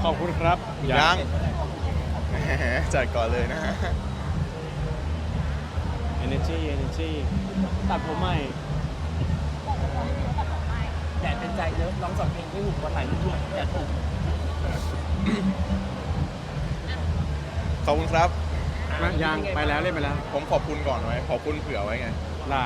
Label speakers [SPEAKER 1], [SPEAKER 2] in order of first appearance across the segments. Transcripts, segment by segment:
[SPEAKER 1] ขอบคุณครับ
[SPEAKER 2] ยังแหมจัดก่อนเลยนะฮะ
[SPEAKER 1] energy ตัดผมใหม่
[SPEAKER 3] แดดเป็นใจเนอะร้องสองเพลงไม่หุบวันไหลไม่หยุดแดดถูก
[SPEAKER 2] ขอบคุณครับ
[SPEAKER 1] ยังไปแล้วเล่นไปแล้ว
[SPEAKER 2] ผมขอบคุณก่อนไว้ขอบคุณเผื่อไว้ไง
[SPEAKER 1] ได้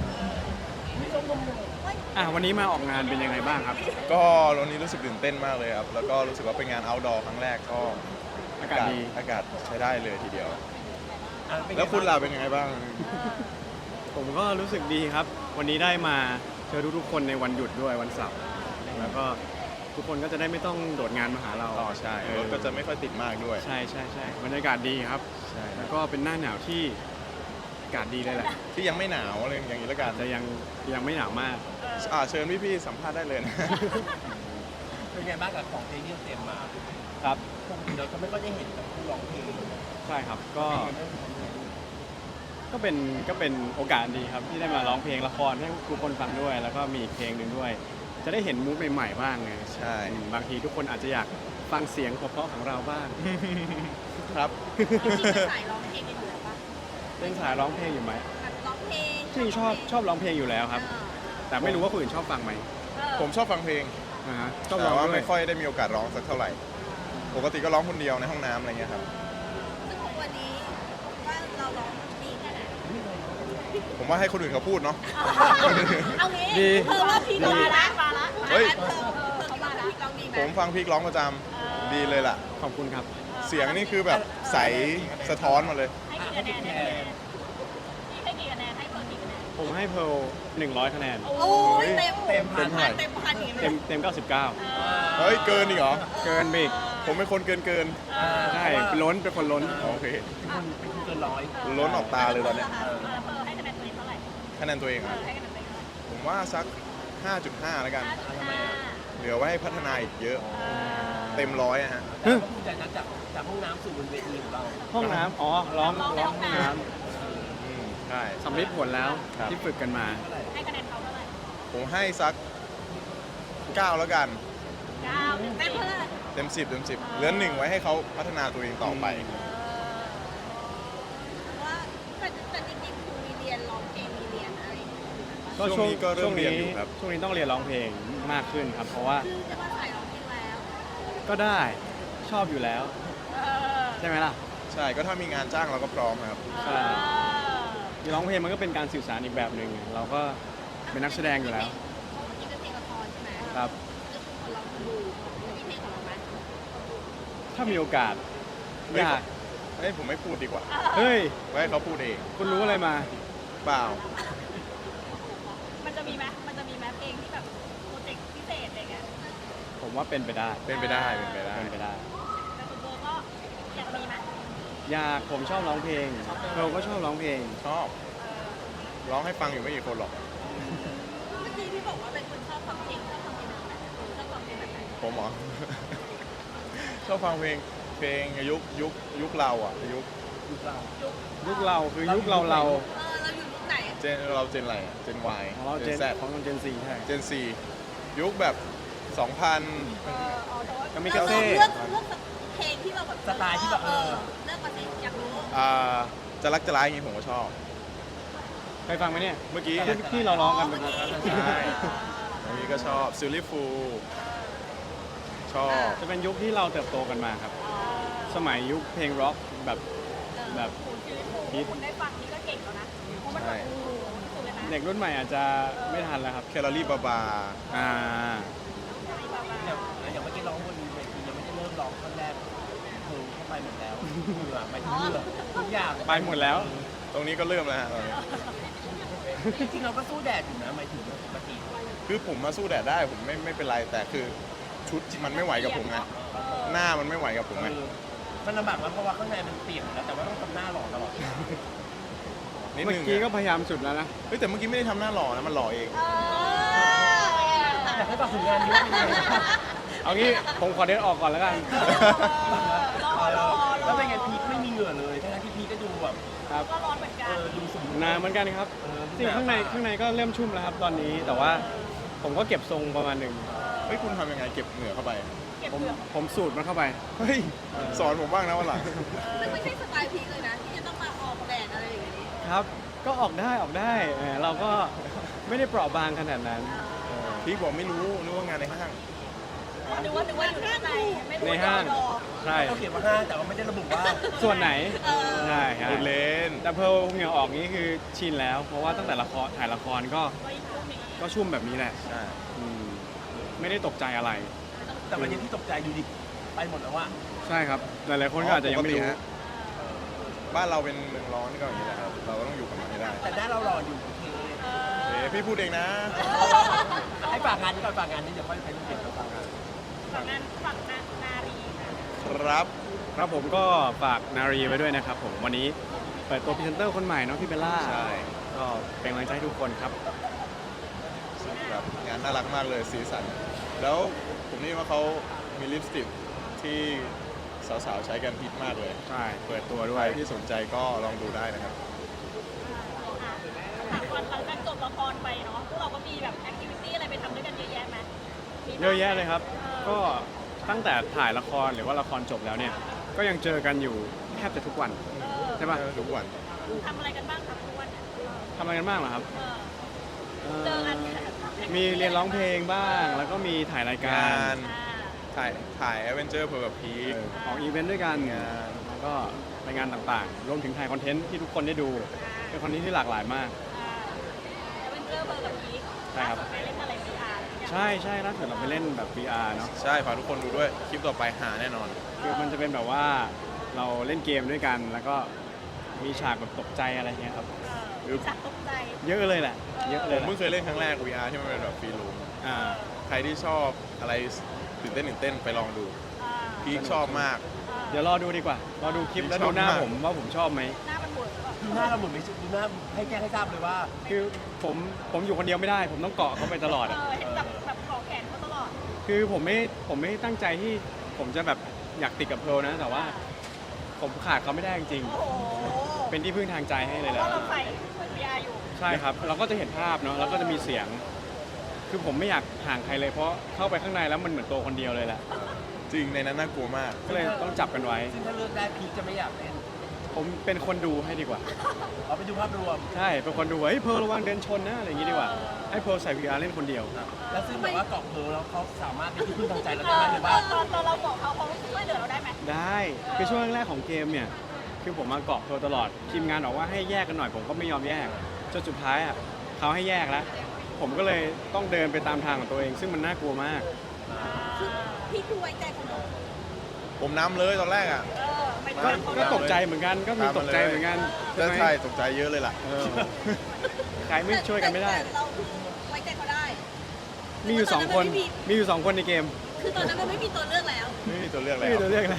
[SPEAKER 1] วันนี้มาออกงานเป็นยังไงบ้างครับ
[SPEAKER 2] ก็วันนี้รู้สึกตื่นเต้นมากเลยครับ แล้วก็รู้สึกว่าเป็นงาน outdoor ครั้งแรกก็
[SPEAKER 1] อากาศดี
[SPEAKER 2] อากาศใช้ได้เลยทีเดียว
[SPEAKER 3] เป็นไง
[SPEAKER 2] แล้วคุณล่ะเป็นยังไงบ้าง
[SPEAKER 1] ผมก็รู้สึกดีครับ วันนี้ได้มาเจอทุกๆคนในวันหยุดด้วยวันเสาร์แล้วก็ทุกคนก็จะได้ไม่ต้องโดดงานมาหาเรา
[SPEAKER 2] อ๋อใช่รถก็จะไม่ค่อยติดมากด้วย
[SPEAKER 1] ใช่บรรยากาศดีครับ
[SPEAKER 2] ใช่ค
[SPEAKER 1] แล้
[SPEAKER 2] รับ
[SPEAKER 1] วก็เป็นหน้าหนาวที่อากาศดีเลยแหละ
[SPEAKER 2] ที่ยังไม่หนาวอะไรอย่างนี้แล้วกัน
[SPEAKER 1] แต่ยังไม่หนาวมาก
[SPEAKER 2] เชิญพี่ๆสัมภาษณ์ได้เลยนะ
[SPEAKER 3] เป็นไงบ้างกับของเพลงที่เตรียมมา
[SPEAKER 1] ครับ
[SPEAKER 3] ปกติเราก็ไม่ค่อยได้เห็นกับผู้ร้องเพลง
[SPEAKER 1] ใช่ครับก็เป็นโอกาสดีครับที่ได้มาร้องเพลงละครให้ทุกคนฟังด้วย แล้วก็มีอีกเพลงหนึ่งด้วย จะได้เห็นมูฟใหม่ๆบ้างไง
[SPEAKER 2] ใช่
[SPEAKER 1] บางทีทุกคนอาจจะอยากฟังเสียงเพราะๆของเราบ้าง
[SPEAKER 2] ครับ
[SPEAKER 4] จริงๆสายร้องเพลงกันอยู่แล้วปะ
[SPEAKER 1] เป็นสายร้องเพลงอยู่ไหม
[SPEAKER 4] แบบร้องเพลง
[SPEAKER 1] จริงชอบร้องเพลงอยู่แล้วครับ แต่ไม่รู้ว่าคนอื่นชอบฟังไหม
[SPEAKER 2] ผมชอบฟังเพลง
[SPEAKER 1] ชอบร้
[SPEAKER 2] แต่
[SPEAKER 1] อง
[SPEAKER 2] ว่า
[SPEAKER 1] ด้ว
[SPEAKER 2] ไม่
[SPEAKER 1] ย
[SPEAKER 2] ค่อยได้มีโอกาสร้องสักเท่าไหร่ ปกติก็ร้องคนเดียวในห้องน้ำอะไรเงี้ยครับ
[SPEAKER 4] ซึ่งวันนี้ว่าเราร้องดีแค่ไหน
[SPEAKER 2] ผมว่าให้คนอื่นเขาพูดเนาะ
[SPEAKER 4] เอางี้
[SPEAKER 1] ดี
[SPEAKER 4] เธอว่าพี่มาละมาละ
[SPEAKER 2] เฮ้ย
[SPEAKER 4] เธอคิดว่าพี่ร้องดีไหม
[SPEAKER 2] ผมฟังพีคร้องประจำดีเลยล่ะ
[SPEAKER 1] ขอบคุณครับ
[SPEAKER 2] เสียงนี่คือแบบใสสะท้อนมาเลย
[SPEAKER 4] ให้กี่คะแนนให้กี่คะแนนให้เพิ่มกี่คะแนน
[SPEAKER 1] ผมให้เพร์ล100 คะแนน
[SPEAKER 4] โอ้ยเต็ม
[SPEAKER 2] เต็มพัน
[SPEAKER 4] เต็มพันอย่าง
[SPEAKER 1] เต็
[SPEAKER 4] เงี้
[SPEAKER 1] ม
[SPEAKER 4] ย
[SPEAKER 1] เต็ม99
[SPEAKER 2] เฮ้ยเกินอีกเหรอ
[SPEAKER 1] เกินไปอีก
[SPEAKER 2] ผมเป็นคนเกิน
[SPEAKER 1] ใช่เป็นคนล้น
[SPEAKER 2] โอเค
[SPEAKER 3] เป็นคนเกินร้อย
[SPEAKER 2] ล้นออกตาเลยตอนเนี้ย
[SPEAKER 4] เพิ่มให้คะแนนตัวเองเท่าไหร่
[SPEAKER 2] คะแนนตัวเองอะ
[SPEAKER 4] ให้คะแนนตัวเองเท่าไหร่
[SPEAKER 2] ผมว่าสัก 5.5 แล้วกัน
[SPEAKER 4] 5.5
[SPEAKER 2] เหลือไว้ให้พัฒนาอีกเยอะ เต็มร้อยอะฮะ
[SPEAKER 3] แต่ก็ภูมิใจนะจากห้องน้ำสู่บนเวทีของเรา
[SPEAKER 1] ห้องน้ำร้องห้องน้
[SPEAKER 2] ใช่
[SPEAKER 1] ำสำลิดผลแล้ว
[SPEAKER 2] ครับ
[SPEAKER 1] ที่ฝึกกันมา
[SPEAKER 4] ให้คะแนนเขาเท่าไหร่
[SPEAKER 2] ผมให้สัก 9 แล้วกัน
[SPEAKER 4] 9เต็มเท่าไหร่
[SPEAKER 2] เต็ม 10 เต็ม 10 เหลือ1ไว้ให้เขาพัฒนาตัวเองต่อไป
[SPEAKER 4] ว่าแต่จริงๆครูมีเรียนร้องเพลงมีเรียนอะไรอย่างเงี้ย
[SPEAKER 2] ช่วงนี้ก็เริ่มเรียนอยู่ครับ
[SPEAKER 1] ช่วงนี้ต้องเรียนร้องเพลงมากขึ้นครับ เพราะว่า
[SPEAKER 4] คือจะมาใส่ร้องเพลงแล้ว
[SPEAKER 1] ก็ได้ชอบอยู่แล้ว ใช่ไหมล่ะ
[SPEAKER 2] ใช่ ก็ถ้ามีงานจ้างเราก็พร้อมครับ
[SPEAKER 1] ใช่ร้องเพลงมันก็เป็นการสื่อสารอีกแบบหนึ่งเราก็เป็นนักแสดงอยู่แล้ว
[SPEAKER 4] เมื่อกี้เป็นเพลงละครใช่ไหม
[SPEAKER 1] ครับ
[SPEAKER 4] คนเราดูมีเพลงของเราไหม
[SPEAKER 1] ถ้ามีโอกาส
[SPEAKER 2] เฮ้
[SPEAKER 1] อย ยาก
[SPEAKER 2] เฮ้ยผมไม่พูดดีกว่า
[SPEAKER 1] เฮ้ย
[SPEAKER 2] ไว้ให้เขาพูดเอง
[SPEAKER 1] คุณรู้อะไรมา
[SPEAKER 2] เปล่า
[SPEAKER 4] มันจะมีไหมเพลงที่แบบโปรเจกต์พิเศษอะไรเงี้ย
[SPEAKER 1] ผมว่าเป็นไปได้
[SPEAKER 2] เป็นไปได้ เป็นไปได้
[SPEAKER 1] เป็นไปได้
[SPEAKER 4] แต่คุณโบก็อยากมีไหม
[SPEAKER 1] อยากผมชอบร้องเพลงเราก็ชอบร้องเพลง
[SPEAKER 2] ชอบ ร้องให้ฟังอยู่ไม่กี่คนหรอก
[SPEAKER 4] เมื่อกี้พี่บอกว่าเป็นคนชอบฟังเพลงชอบฟังเพลงแบบไหนชอบฟังเพลงแบบไหน
[SPEAKER 2] ผมเหรอ ชอบฟังยุคเราอ่ะ ยุค
[SPEAKER 3] ยุคเรา
[SPEAKER 1] ยุคเราคือยุคเรา
[SPEAKER 4] เราอยู่ยุคไหน
[SPEAKER 2] เราเจนอะไรอะเจน Y
[SPEAKER 1] ของเราเจน
[SPEAKER 2] Z
[SPEAKER 1] ของเจนซีใช่
[SPEAKER 2] เจน C ยุคแบบ 2000
[SPEAKER 1] ก็มีกระเซ่
[SPEAKER 4] เลือกเพลงที่เราแบบ
[SPEAKER 3] สไตล์ที่แบบ
[SPEAKER 4] เลือกมาสิอยากรู้
[SPEAKER 2] จะรักจะร้ายอย่างนี้ผมก็ชอบ
[SPEAKER 1] เคยฟังไหมเนี่ย
[SPEAKER 2] เมื่อกี้
[SPEAKER 1] ที่เราร้องกันเป็น
[SPEAKER 2] ใช่อันนี้ก็ชอบซิลลี่ฟูชอบ
[SPEAKER 1] จะเป็นยุคที่เราเติบโตกันมาครับ สมัยยุคเพลงร็อกแบบ
[SPEAKER 4] ฮิตคุณได้ฟังนี่ก็เก่งแล้วนะเพราะมันแบบสุดเลยนะ
[SPEAKER 1] เด็กรุ่นใหม่อาจจะไม่ทันแล้วครับ
[SPEAKER 2] แคลอรี่บาบา
[SPEAKER 1] อ่า
[SPEAKER 3] อย่างเมื่อกี้ร้องบนเวทียังไม่ได้เริ่มร้องท่อนแรกเธอเข้าไปหมดแล้วเหงื่อไปถึงเหงื่อทุกอย่าง
[SPEAKER 1] ไปหมดแล้ว
[SPEAKER 2] ตรงนี้ก็เริ่มแล้วฮะตอนนี้
[SPEAKER 3] จริงๆเราก็สู้แดดอยู่นะหมายถึงปกติ
[SPEAKER 2] คือผมมาสู้แดดได้ผมไม่เป็นไรแต่คือชุดมันไม่ไหวกับผมไงหน้ามันไม่ไหวกับผมไง
[SPEAKER 3] มันลำบากมากเพราะว่าข้างในมันเปียกแล้วแต่ว่าต้องทำหน้าหล่อตลอด
[SPEAKER 2] นิด
[SPEAKER 1] เมื่อ
[SPEAKER 2] นึง
[SPEAKER 1] กี้ก็
[SPEAKER 2] อะ
[SPEAKER 1] พยายามสุดแล้วนะ
[SPEAKER 2] เฮ้ยแต่เมื่อกี้ไม่ได้ทำหน้าหล่อนะมันหล่อเอง
[SPEAKER 3] อยากให้ตอบผลงานนี้
[SPEAKER 1] เอางี้ผมขอเดินออกก่อนแล้วกัน
[SPEAKER 3] แล้วเป็นไงพีคไม่มีเหงื่อเลยทั้งที่พีคก็ดูแบบ
[SPEAKER 1] ครับ
[SPEAKER 4] ก็ร้อนเหมือนกัน
[SPEAKER 3] ดูสมบูรณ์
[SPEAKER 1] นานเหมือนกันครับจริงข้างในก็เริ่มชุ่มแล้วครับตอนนี้ แต่ว่าผมก็เก็บทรงประมาณหนึ่ง
[SPEAKER 2] เฮ้ยคุณทำยังไงเก็บเหงื่อเข้าไป
[SPEAKER 4] เก็บ
[SPEAKER 1] ผม
[SPEAKER 4] เปลือก
[SPEAKER 1] ผมสูตรมันเข้าไป
[SPEAKER 2] เฮ้ยสอนผมบ้างนะวันหลัง
[SPEAKER 4] ซึ่งไม่ใช่สไตล์พีคเลยนะ ที่จะต้องมาออกแดดอะไรอย่างนี้
[SPEAKER 1] ครับ ก็ออกได้เราก็ไม่ได้เปราะบางขนาดนั้น
[SPEAKER 2] พี่บอกไม่รู้นึกว่างานในห้าง
[SPEAKER 4] นึกว่าอยู่ข้างในไม่รู้
[SPEAKER 1] ในห้าง
[SPEAKER 4] ดอ
[SPEAKER 1] ใช่
[SPEAKER 3] เขาเขียนว่าห้างแต่ว่าไม่ได้ระบุว่า
[SPEAKER 1] ส่วนไหน
[SPEAKER 4] เออ
[SPEAKER 1] ใช่
[SPEAKER 2] พูดเล่น
[SPEAKER 1] แต่เพร์ลเหงื่อออกนี้คือชินแล้ว เพราะว่าตั้งแต่ถ่ายละครก็
[SPEAKER 4] ก็อีกคู่นี้
[SPEAKER 1] ก็ชุ่มแบบนี้แหละ
[SPEAKER 2] ใช่
[SPEAKER 1] อืมไม่ได้ตกใจอะไร
[SPEAKER 3] แต่วันนี้ที่ตกใจอยู่ดิไปหมดแล้วว่า
[SPEAKER 1] ใช่ครับ หลายๆคนก็อาจจะยังไม่รู้
[SPEAKER 2] ปกติฮะบ้านเราเป็นเมืองร้อนก็อย่างนี้แหละครับ เราก็ต้องอยู่กับมันให้ได้
[SPEAKER 3] แต่หน้าเราหล่ออยู่โอเค
[SPEAKER 2] พี่พูดเองนะ
[SPEAKER 3] ให้ฝากงานนี้ก่อนฝากงานนี้เดี๋ยวค่อยไปเรื่องเก็บกับฝากงาน
[SPEAKER 4] ฝั่งนารีค่ะ
[SPEAKER 2] ครับ
[SPEAKER 1] ครับผมก็ฝากนารีไว้ด้วยนะครับผมวันนี้เปิดตัวพรีเซนเตอร์คนใหม่เนาะพี่เบลล่า
[SPEAKER 2] ใช่
[SPEAKER 1] ก็เป็นกำลังใจให้ทุกคนครับ
[SPEAKER 2] แบบงานน่ารักมากเลยสีสัน แล้วผมนี่ว่าเขามีลิปสติกที่สาวๆใช้กันฮิตมากเลย
[SPEAKER 1] ใช่เปิดตัวด้
[SPEAKER 2] ใค
[SPEAKER 1] ว
[SPEAKER 2] ร
[SPEAKER 1] ย
[SPEAKER 2] ที่สนใจก็ลองดูได้นะครับ
[SPEAKER 4] ถามก่อนหลังจากจบละครไปเนาะพวกเราก็มีแบบแอคทิวิตี้อะไรไปทำด้วยกันเยอะแยะไหมมีบ้างไหม
[SPEAKER 1] เยอะแยะเลยครับ ก็ตั้งแต่ถ่ายละครหรือว่าละครจบแล้วเนี่ย ก็ยังเจอกันอยู่แทบจะทุกวัน ใช่ปะ
[SPEAKER 2] ทุกวัน
[SPEAKER 4] ทำอะไรกันบ้างครับทุกวันเนี่ย
[SPEAKER 1] ทำอะไรกันบ้างเหรอครับ
[SPEAKER 4] เจอกัน
[SPEAKER 1] มีเรียนร้องเพลงบ้าง แล้วก็มีถ่ายรายกาง
[SPEAKER 2] าร น ถ่ายแอดเวนเจอร์เพื่อกับพีค
[SPEAKER 1] ออกอีเวนต์ด้วยกัน
[SPEAKER 2] งาน
[SPEAKER 1] แล้วก็ไปงานต่างๆ รวมถึงถ่ายคอนเทนต์ที่ทุกคนได้ดู เป็นคอนเทนต์ที่หลากหลายมาก
[SPEAKER 4] เวนเจอร์เบอร์กับพีค
[SPEAKER 1] ใช่ครับ
[SPEAKER 4] ไปเล่นอะไรพีอาร์
[SPEAKER 1] ใช่ล่าสุดเราไปเล่นแบบ VR เนาะ
[SPEAKER 2] ใช่ฝากทุกคนดูด้วย คลิปต่อไปหาแน่นอน
[SPEAKER 1] คือมันจะเป็นแบบว่าเราเล่นเกมด้วยกัน แล้วก็มีฉากแบบตกใจอะไรเงี้ยครับ
[SPEAKER 4] จัดตกใจ
[SPEAKER 1] เยอะเลยแหละ เยอะ
[SPEAKER 2] ผ
[SPEAKER 1] เลย
[SPEAKER 2] ม
[SPEAKER 1] แหละ
[SPEAKER 2] เพิ่งเคยเล่นครั้งแรก VR ที่มันเป็นแบบฟรีรูม
[SPEAKER 1] อ่า
[SPEAKER 2] ใครที่ชอบอะไรตื่นเต้นไปลองดู พีคชอบมาก
[SPEAKER 1] เดี๋ยวรอดูดีกว่า รอดูคลิปแล้วดูหน้าผมว่าผมชอบไหม
[SPEAKER 4] หน้ามันบวมหรือเปล่า
[SPEAKER 3] ดูหน้าเราหมดไม่ใช่ดูหน้าให้แจ้งให้ทราบเลยว่า
[SPEAKER 1] คือผมอยู่คนเดียวไม่ได้ ผมต้องเกาะเขาไปตลอดอะ
[SPEAKER 4] เห็นแบบเกาะแขนเขาตลอด
[SPEAKER 1] คือผมไม่ตั้งใจที่ผมจะแบบอยากติดกับเพร์ลนะ แต่ว่าผมขาดเขาไม่ได้จริง
[SPEAKER 4] โอ้โห
[SPEAKER 1] ๆเป็นที่พึ่งทางใจให้เลย
[SPEAKER 4] เพ
[SPEAKER 1] แหละ
[SPEAKER 4] ราะเราใส่พีอาร์อยู่
[SPEAKER 1] ใช่ครับ เราก็จะเห็นภาพเนาะแล้วก็จะมีเสียง คือผมไม่อยากห่างใครเลยเพราะเข้าไปข้างในแล้วมันเหมือนตัวคนเดียวเลยแหละ
[SPEAKER 2] จริงในนั้นน่ากลัวมาก
[SPEAKER 1] ก็เลยต้องจับกันไว้
[SPEAKER 3] ซึ่งถ้าเลือกได้พีคจะไม่อยากเล่น
[SPEAKER 1] ผมเป็นคนดูให้ดีกว่า
[SPEAKER 3] เอาไปดูภาพรวม
[SPEAKER 1] ใช่ เป็นคนดูว่าเฮ้ยเพร์ลระวังเดินชนนะอะไรอย่างงี้ดีกว่า ให้เพร์ลใส่ VR เล่นคนเดียว
[SPEAKER 3] แล้วซึ่งแบบว่าเกาะเพลแล้วเขาสามารถเป็นที่พึ่งทางใจเราได้ไหมหรือว่า
[SPEAKER 4] ตอนเราบอกเขาช่วยเหลือเราได้ไหม
[SPEAKER 1] ได้ คือช่วงแรกๆของเกมเนี่ย คือผมมาเกาะเพร์ลตลอด ทีมงานบอกว่าให้แยกกันหน่อย ผมก็ไม่ยอมแยก จนสุดท้ายอ่ะเขาให้แยกแล้ว ผมก็เลยต้องเดินไปตามทางของตัวเอง ซึ่งมันน่ากลัวมาก
[SPEAKER 4] พี่ดูไว้ใจคนอื่น
[SPEAKER 2] ผมนำเลยตอนแรกอ่ะ
[SPEAKER 4] ไม่
[SPEAKER 1] ก็
[SPEAKER 4] ทำเขา
[SPEAKER 1] ก็ตกใจเหมือนกัน ก็มีตกใจเหมือนกัน
[SPEAKER 2] ใช่
[SPEAKER 1] ไหม
[SPEAKER 2] ใช่ตกใจเยอะเลยล่ะ
[SPEAKER 1] เออใครไม่ช่วยกันไม่ได้
[SPEAKER 4] แต่เราคือไว้ใจเขาได้
[SPEAKER 1] มีอยู่สองคน มีอยู่2 คนในเกม
[SPEAKER 4] คือตอนนั้นมันไม่มีตัวเลือกแล้ว
[SPEAKER 2] ไม่มีตัวเลือก
[SPEAKER 1] ไม่
[SPEAKER 2] แล้ว
[SPEAKER 1] มีตัวเลือกแล้ว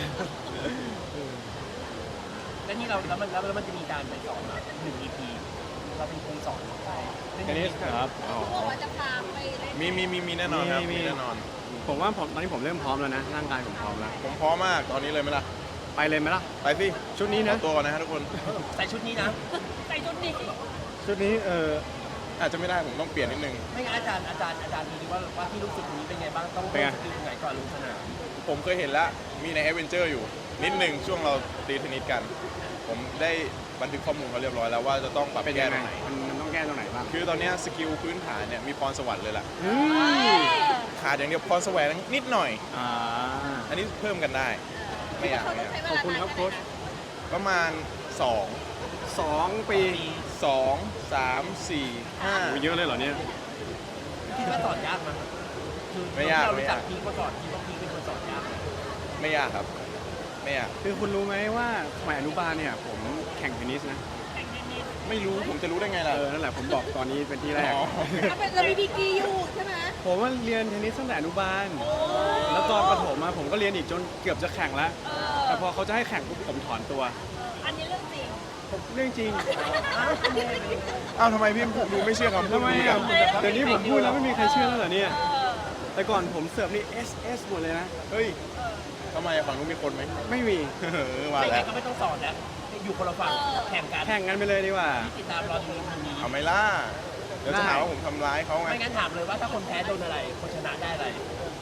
[SPEAKER 3] แล้วนี่เราแล้วมันจะมีการไปสอนแบบ1 EP เราเป็นครูสอนไปเล่น
[SPEAKER 1] อันนี้ครับ
[SPEAKER 2] อ๋อ
[SPEAKER 4] เขาบอกว่าจะพาไปเล่น
[SPEAKER 2] มีแน่นอนครับ
[SPEAKER 1] มี
[SPEAKER 2] มีแน่นอน
[SPEAKER 1] ผมว่าตอนนี้ผมเริ่มพร้อมแล้วนะ ร่างกายผมพร้อมแล้ว
[SPEAKER 2] ผมพร้อมมากตอนนี้เลยไหมล่ะ
[SPEAKER 1] ไปเลยไหมล่ะ
[SPEAKER 2] ไปสิ
[SPEAKER 1] ชุดนี้
[SPEAKER 2] ข
[SPEAKER 1] นะ
[SPEAKER 2] อตัวก่อนนะฮะทุกคน
[SPEAKER 3] ใส่ชุดนี้นะ
[SPEAKER 4] ใส่ชุดนี้
[SPEAKER 1] ชุดนี้
[SPEAKER 2] อาจจะไม่ได้ผมต้องเปลี่ยนนิดนึง
[SPEAKER 3] ไม่งั้นอาจารย์ดูดิว่าที่รู้สึกนี้เป็นไงบ้างต้อง
[SPEAKER 1] เป็นไง
[SPEAKER 3] สกิลตรงไหนก่อนลงสนาม
[SPEAKER 2] ผมเคยเห็นแล้วมีในแอดเวนเจอร์อยู่ นิดนึงช่วงเราตีเทนนิสกัน ผมได้บันทึกข้อมูลเขาเรียบร้อยแล้วว่าจะต้องปรับ
[SPEAKER 1] เป็น
[SPEAKER 2] แก้
[SPEAKER 1] ยัง
[SPEAKER 2] ต
[SPEAKER 1] ไง
[SPEAKER 2] รงไหน
[SPEAKER 1] มันต้องแก้ตรงไหนบ้าง
[SPEAKER 2] คือตอนเนี้ยสกิลพื้นฐานเนี่ยมีพรสวรรค์เลยล่ะ
[SPEAKER 1] อืม
[SPEAKER 2] ขาดอย่างเดียวพรแสวงนิดหน่อย
[SPEAKER 1] อ่า
[SPEAKER 2] อันนี้เพิ่มกันได้ ไม่อยาก
[SPEAKER 4] เขา
[SPEAKER 2] ไม่
[SPEAKER 4] ต้
[SPEAKER 2] อ
[SPEAKER 4] อง
[SPEAKER 2] ยาก
[SPEAKER 4] ใช้เวลา
[SPEAKER 1] ขอบคุณครับโค้ช
[SPEAKER 2] ประมาณ
[SPEAKER 1] 2 ปี
[SPEAKER 2] 2 3 4
[SPEAKER 1] โอ้เยอะเลยเหรอเนี่ย
[SPEAKER 3] คิดว่าสอนยากไหมคือ
[SPEAKER 2] ไม่ยาก
[SPEAKER 3] เรา
[SPEAKER 2] ไม่
[SPEAKER 3] รู้จั
[SPEAKER 2] ยาก ก
[SPEAKER 3] พีคมาก่อนคิดว่าพีคเป็นคนสอนยากไหม
[SPEAKER 2] 5 ไม่ยากครับ ไม่ยาก
[SPEAKER 1] คือคุณรู้ไหมว่าสมัยอนุบาลเนี่ย ผมแข่งเทนนิสนะ
[SPEAKER 4] แข่งเทนนิส
[SPEAKER 2] ไม่รู้ผมจะรู้ได้ไงล่ะ
[SPEAKER 1] นั่นแหละผมบอกตอนนี้เป็นที่แรก
[SPEAKER 2] อ๋อ
[SPEAKER 4] ถ้าเป็นเรามีดีกรีอยู่ใช่ไหม
[SPEAKER 1] ผมว่าเรียนเทนนิสตั้งแต่อนุบาล แล้วตอนประถมมาผมก็เรียนอีกจนเกือบจะแข่งแล้ว แต่พอเขาจะให้แข่งปุ๊บผมถอนตัว
[SPEAKER 4] อันนี้เรื่องจริง
[SPEAKER 1] ผมเรื่องจริง
[SPEAKER 2] อ้าวทำไมพี่ดูไม่เชื่อคำพูด
[SPEAKER 1] ทำไม
[SPEAKER 2] พี่
[SPEAKER 1] อ่ะ
[SPEAKER 2] อ่ะ
[SPEAKER 1] เดี๋ยวนี้ผมพูดแล้วไม่มีใครเชื่อแล้วเหรอเนี่ย แต่ก่อนผมเสิร์ฟนี่ SS หมดเลยนะ
[SPEAKER 2] เฮ้ยทำไมฝั่งนู้นมีคนไหม
[SPEAKER 1] ไม่มี
[SPEAKER 2] มา
[SPEAKER 3] ไม่
[SPEAKER 2] แล้
[SPEAKER 3] งั้
[SPEAKER 2] วน
[SPEAKER 3] ก็ไม่ต้องสอนแล้วอยู่คนละฝั่งแข่งกัน
[SPEAKER 1] แข่งกันไปเลยดีกว่า
[SPEAKER 3] ติดตามรอดูทีนี้
[SPEAKER 2] เอาไหมล่ะเดี๋ยวจะหาว่าผมทำร้ายเขาไง
[SPEAKER 3] ไม่งั้นถามเลยว่าถ้าคนแพ้โดนอะไรคนชนะได้อะไร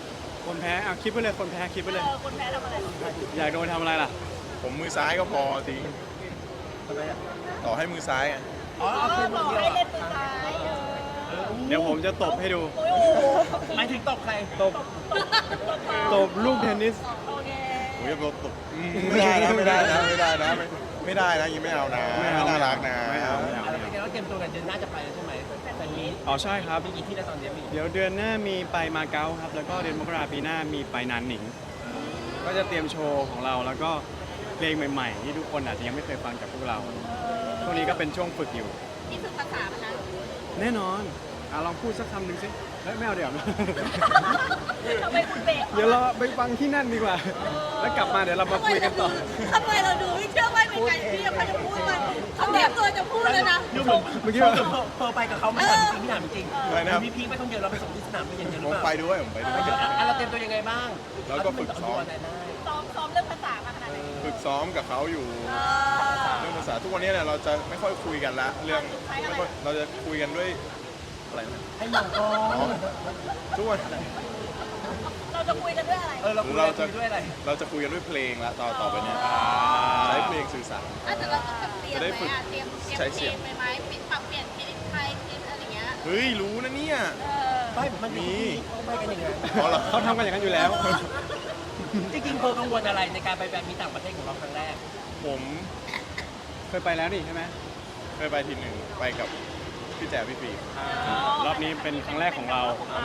[SPEAKER 1] คนแพ้เอาคิดไปเลยคนแพ้คิดไปเลย
[SPEAKER 4] คนแพ้ทำอะไร
[SPEAKER 1] อยากโดนทำอะไรล่ะ
[SPEAKER 2] ผมมือซ้ายก็พอจริง
[SPEAKER 3] ทำไมอ่ะ
[SPEAKER 2] ต่อให้มือซ้ายอะ
[SPEAKER 3] อ๋อเอาคืน
[SPEAKER 4] บ
[SPEAKER 3] ค
[SPEAKER 4] อน ก
[SPEAKER 3] เดียว
[SPEAKER 4] ให้เล่น
[SPEAKER 3] อ่ะ
[SPEAKER 4] มือซ้าย
[SPEAKER 1] เดี๋ยวผมจะตบให้ดู
[SPEAKER 4] โอ้โห
[SPEAKER 3] หมายถึงตบใคร
[SPEAKER 1] ตบตบลูกเทนนิส
[SPEAKER 4] โอเค
[SPEAKER 2] ผมจะตบไม่ได้นะไม่ได้นะไม่ได้นะไม่ได้นะอยังไม่เอานะ
[SPEAKER 1] ไม่เอา
[SPEAKER 2] น่ารักนะ
[SPEAKER 1] ไม่เอาไม่เอา
[SPEAKER 3] อะไรเป็นไงว่าเตรียมตัวกันเดือนหน้าจะไปแล้วใช่ไหมแต่นี้
[SPEAKER 1] อ๋อใช่ครับ
[SPEAKER 3] มีกี่ที่แล้วตอนนี้มี
[SPEAKER 1] เดี๋ยวเดือนหน้ามีไปมาเก๊าครับ แล้วก็เดือนมกราปีหน้ามีไปนานหนิง ก็จะเตรียมโชว์ของเราแล้วก็เพลงใหม่ๆ ที่ทุกคนอาจจะยังไม่เคยฟังจากพวกเรา ช่วงนี้ก็เป็นช่วงฝึกอยู่
[SPEAKER 4] นี่คือภาษามันนะ
[SPEAKER 1] แน่นอนลองพูดสักคำหนึ่งสิเฮ้ยไม่เอาเดี๋ยว
[SPEAKER 4] ทำไมคุณเบรก
[SPEAKER 1] เดี๋ยวเราไปฟังที่นั่นดีกว่า แล้วกลับมาเดี๋ยวเรามาคุยกันต่อ
[SPEAKER 4] ทำไมเราดูไม่เชื่อว่าเป็นการที่จะจะพูดมันเขาเตรียมตัวจะพูดแล้วนะ
[SPEAKER 3] ดูเหมือน
[SPEAKER 1] เมื่อกี้
[SPEAKER 3] เ
[SPEAKER 1] ว่า
[SPEAKER 3] พอไปกับเขาไม่ถามจริงพี่ถามจริง
[SPEAKER 2] อะไรนะครับ
[SPEAKER 3] พี่พีคไปท่องเที่ยวเราไปส่งที่สนามบินอย่างเดียวห
[SPEAKER 2] ผ
[SPEAKER 3] รือ
[SPEAKER 2] ม
[SPEAKER 3] เปล่า
[SPEAKER 2] ไปด้วยผมไปด้วย
[SPEAKER 3] เราเตรียมตัวยังไงบ้าง
[SPEAKER 2] แล้วก็ฝึกซ้อม
[SPEAKER 4] ซ้อมเรื่องภาษามาขนาดไหน
[SPEAKER 2] ฝึกซ้อมกับเขาอยู่เรื่องภาษาทุกวันนี้เนี่ยเราจะไม่ค่อยคุยกันละเรื่องไม่ค่อยเราจะคุยกันด้วยอะไรนะ
[SPEAKER 3] ให้มองกล้อ
[SPEAKER 2] อ๋อง ทุกวัน
[SPEAKER 4] เราจะคุยกันด้วยอะไร
[SPEAKER 3] เราคุยด้วยอะไร
[SPEAKER 2] เราจะคุยกันด้วยเพลงละต่อไปเนี่ยใช้เพลงสื่อสาร
[SPEAKER 4] แต่เราต้องเตรียมไหมเตรียมเพลงไปไหมปรับเปลี่ยนเพลงไทยเพลงอะไรเงี้ย
[SPEAKER 2] เฮ้ยรู้นะเนี่ย
[SPEAKER 3] ไม่มันมีเขาไปกันอย่างนั้น
[SPEAKER 2] อ๋อเหรอ
[SPEAKER 1] เขาทำกันอย่างนั้นอยู่แล้ว
[SPEAKER 3] จริงๆเพอกังวลอะไรในการไปแบบมีต่างประเทศของเราครั้งแรก
[SPEAKER 2] ผม
[SPEAKER 1] เคยไปแล้วนี่ใช่ไหม
[SPEAKER 2] เคยไปทีหนึ่งไปกับพี่แจ๋พี่ปี
[SPEAKER 1] รอบนี้เป็นครั้งแรกของเรา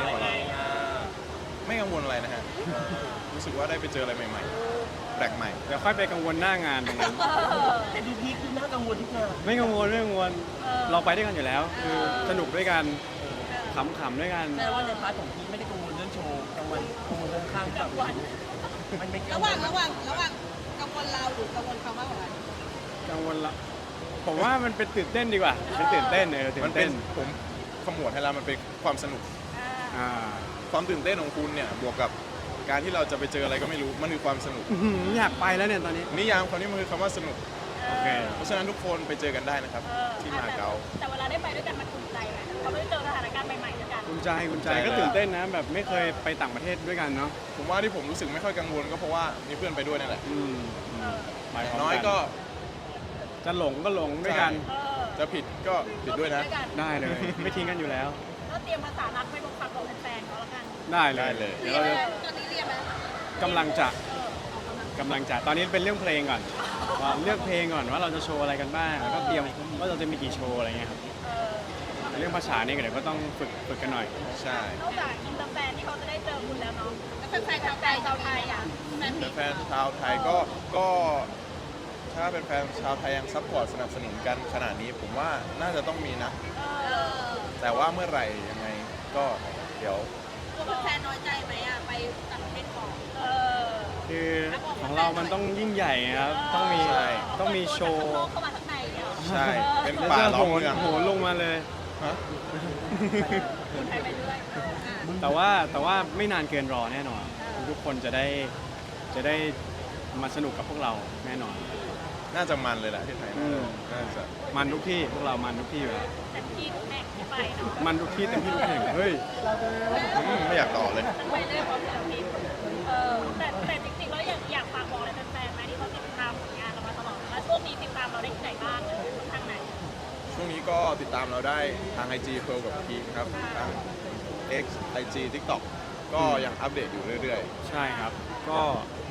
[SPEAKER 2] ไม่กังวลอะไรนะฮะรู้สึกว่าได้ไปเจออะไรใหม่ๆแปลกใหม่
[SPEAKER 1] เดี๋ยวค่อยไปกังวลหน้างานตรงนั้น
[SPEAKER 3] แต่ดูพีคคือน่ากังวลทุกงาน
[SPEAKER 1] ไม่กังวลไม่กังวลเราไปด้วยกันอยู่แล้ว คือสนุกด้วยกันขำๆด้วยกัน
[SPEAKER 3] แม้ว่าในพาร์ทของพีคไม่ได้กังวลเรื่องโชว์กังวลเรื่องข้างกับมันไม่
[SPEAKER 4] ระหว่างกังวลเราหรือกังวลเขามากกว่ากัน
[SPEAKER 1] กังวลละผมว่ามันเป็นตื่นเต้นดีกว่าเป็นตื่นเต้นตื่
[SPEAKER 2] มัน
[SPEAKER 1] น
[SPEAKER 2] เป็
[SPEAKER 1] เต้
[SPEAKER 2] น
[SPEAKER 1] น
[SPEAKER 2] ผมขมวดให้แล้วมันเป็นความสนุก
[SPEAKER 1] อ่า
[SPEAKER 2] ความตื่นเต้นของคุณเนี่ยบวกกับการที่เราจะไปเจออะไรก็ไม่รู้มันคือความสนุก
[SPEAKER 1] อื้อหืออยากไปแล้วเนี่ยตอนนี้
[SPEAKER 2] นิยามคำนี้มันคือคำว่าสนุก
[SPEAKER 1] โอเค
[SPEAKER 2] เพราะฉะนั้นทุกคนไปเจอกันได้นะครับ ที่มาเก๊า
[SPEAKER 4] แต่เวลาได้ไปด้วยกันมันภูมิใจไหมเราได้เจอสถานการณ์ใหม่ๆด้วยกัน
[SPEAKER 1] คุณใจคุณใจ
[SPEAKER 2] ใจ
[SPEAKER 1] ก็ตื่นเต้นนะแบบไม่เคยไปต่างประเทศด้วยกันเนาะ
[SPEAKER 2] ผมว่าที่ผมรู้สึกไม่ค่อยกังวลก็เพราะว่ามีเพื่อนไปด้วยนั่นแหละ
[SPEAKER 1] ไปพร้ม
[SPEAKER 2] น้อยก็
[SPEAKER 1] จะหลงก็หลงด้วยกัน
[SPEAKER 2] จะผิดก็ผิดด้วยนะ
[SPEAKER 1] ได้เลย ไม่ทิ้งกันอยู่แล้ว
[SPEAKER 4] ก็เตรียมภาษารักไปบอกฝากบอกแฟนๆเขาแล้วกัน
[SPEAKER 1] ได้เล
[SPEAKER 2] ได้
[SPEAKER 1] ย
[SPEAKER 2] เลย
[SPEAKER 1] เดี๋ยวเราจะ
[SPEAKER 4] ตอนนี้เรียนไหม
[SPEAKER 1] กำลังจะตอนนี้เป็นเรื่องเพลงก่อนว่าเลือกเพลงก่อนว่าเราจะโชว์อะไรกันบ้างแล้วก็เตรียมว่าเราจะมีกี่โชว์อะไรเงี้ยครับเรื่องภาษานี่ก็เดี๋ยวก็ต้องฝึกกันหน่อย
[SPEAKER 2] ใช่
[SPEAKER 4] นอกจากอินเตอร์แฟนที่เขาจะได้เจอคุณแล้วเนาะแล้วแฟนชาวไทยอ่ะแฟน
[SPEAKER 2] แฟนชาวไทยก็ถ้าเป็นแฟนชาวไทยยังซัพพอร์ตสนับสนุนกันขนาดนี้ผมว่าน่าจะต้องมีนะ แต่ว่าเมื่อไหร่ยังไงก็เดี๋ยว
[SPEAKER 4] ตัวแฟนน้อยใจไหมอ่ะไปต่างประเทศก่อน
[SPEAKER 1] คือของเรามันต้องยิ่งใหญ่ครับต้องมีโชว์
[SPEAKER 4] เข้ามาข้างในเนี่ย
[SPEAKER 2] ใช่เป็น
[SPEAKER 1] แล้ว
[SPEAKER 2] ป่า
[SPEAKER 1] จะ
[SPEAKER 2] ล้อมเมือง
[SPEAKER 1] โหนลงมาเลย
[SPEAKER 2] ฮะ
[SPEAKER 4] คุณไทยไปเรื่อย
[SPEAKER 1] แต่ว่าไม่นานเกินรอแน่นอน ทุกคนจะได้มาสนุกกับพวกเราแน่นอน
[SPEAKER 2] น่าจะมันเลยแหละที่ไทย
[SPEAKER 1] อืม
[SPEAKER 2] น่าจะ
[SPEAKER 1] มันทุกที่พวกเรามันทุกที่อยู่แล้ว
[SPEAKER 4] แต่ที่ทุกแห่งที่ไปเนาะ
[SPEAKER 1] มันทุกที่เต็มที่ทุกแห่งเฮ้ย
[SPEAKER 2] ไม่อยากต่อเลย
[SPEAKER 4] ไปเรื่อยพร้อมกับที่แต่จริงๆแล้วอยากฝากบอกอะไรแฟนๆไหมที่เขาติดตามผลงานเรามาตลอดแล้วช่วงนี้ติดตามเราได้ที่ไหนบ้างทางไหน
[SPEAKER 2] ช่วงนี้ก็ติดตามเราได้ทาง IG เพิร์ลกับพีคครับทาง X IG TikTok ก็ยังอัปเดตอยู่เรื่อย
[SPEAKER 1] ใช่ครับก็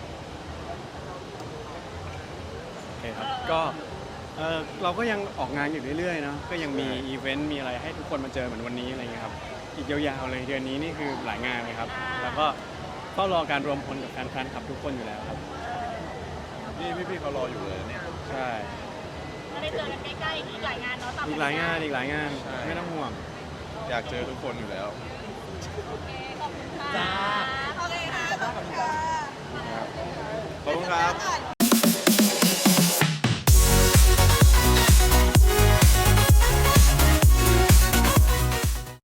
[SPEAKER 1] โอเคครับก็เราก็ยังออกงานอยู่เรื่อยๆเนาะก็ยังมีอีเวนต์มีอะไรให้ทุกคนมาเจอเหมือนวันนี้อะไรเงี้ยครับอีกยาวๆเลยเดือนนี้นี่คือหลายงานเลยครับแล้วก็เฝ้ารอการรวมพลกับแฟนๆขับทุกคนอยู่แล้วครับ
[SPEAKER 2] ๆ นี่พี่ๆเขารออยู่เลยเนี่ย
[SPEAKER 1] ใช่
[SPEAKER 4] ก็ได้เจอกันใกล้ๆอีกหลายงานเนาะตาม
[SPEAKER 1] อีกหลายงาน
[SPEAKER 2] ใช่
[SPEAKER 1] ไม่ต้องห่วง
[SPEAKER 2] อยากเจอทุกคนอยู่แล้ว
[SPEAKER 4] โอเคขอบคุณค่ะ
[SPEAKER 3] จ้า
[SPEAKER 4] โอเคค่ะขอบคุณค่ะ
[SPEAKER 2] ขอบคุณครับ